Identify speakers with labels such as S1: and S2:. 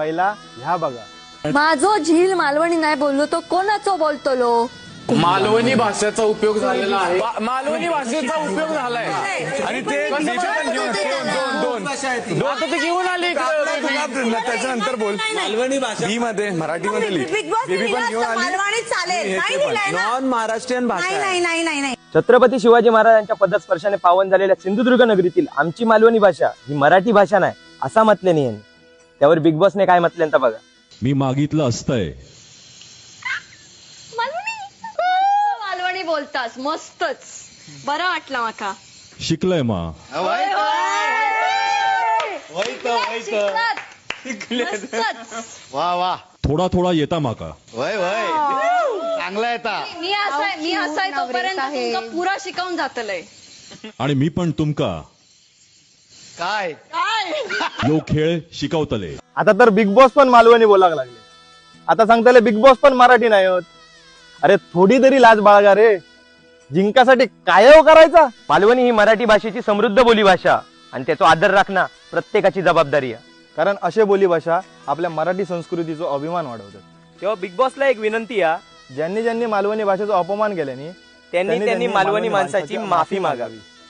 S1: पहिला ह्या बघा,
S2: माझो झील मालवणी नाही बोललो तो कोणाचो बोलतलो?
S3: मालवणी भाषेचा उपयोग झालेला आहे, मालवणी भाषेचा उपयोग झालाय
S4: आणि ते दोन
S3: आता ते घेऊन आले
S4: त्याच्यानंतर बोल मालवणी भाषा बी मध्ये मराठीमध्ये लिह. बेबी पण घेऊन आली
S3: नॉन महाराष्ट्रीयन भाषा.
S5: छत्रपती शिवाजी महाराजांच्या पदस्पर्शाने पावन झालेल्या सिंधुदुर्ग नगरीतील आमची मालवणी भाषा ही मराठी भाषा नाही असा म्हटल्याने यांनी. त्यावर बिग बॉसने काय म्हटलं बघा.
S6: मी मागितलं असतंय.
S2: मालवणी बोलतास मस्तच, बरं वाटलं माका.
S6: शिकलंय मा.
S1: वा वा,
S6: थोडा थोडा येता माका.
S1: वय वय, चांगला येता.
S2: मी असाय तोपर्यंत तुमका पुरा शिकवून जातलंय.
S6: आणि मी पण तुमका
S1: काय
S6: यो खेळ शिकवतले.
S1: आता तर बिग बॉस पण मालवणी बोलायला लागले. आता सांगताले बिग बॉस पण मराठी नाही होत. अरे थोडी तरी लाज बाळगा रे, जिंकासाठी काय करायचा.
S5: मालवणी ही मराठी भाषेची समृद्ध बोली भाषा आणि त्याचा आदर राखणं प्रत्येकाची जबाबदारी आहे.
S1: कारण असे बोली भाषा आपल्या मराठी संस्कृतीचा अभिमान वाढवतात.
S5: तेव्हा बिग बॉसला एक विनंती आहे,
S1: ज्यांनी मालवणी भाषेचा अपमान केल्याने
S5: त्यांनी मालवणी माणसाची माफी मागावी.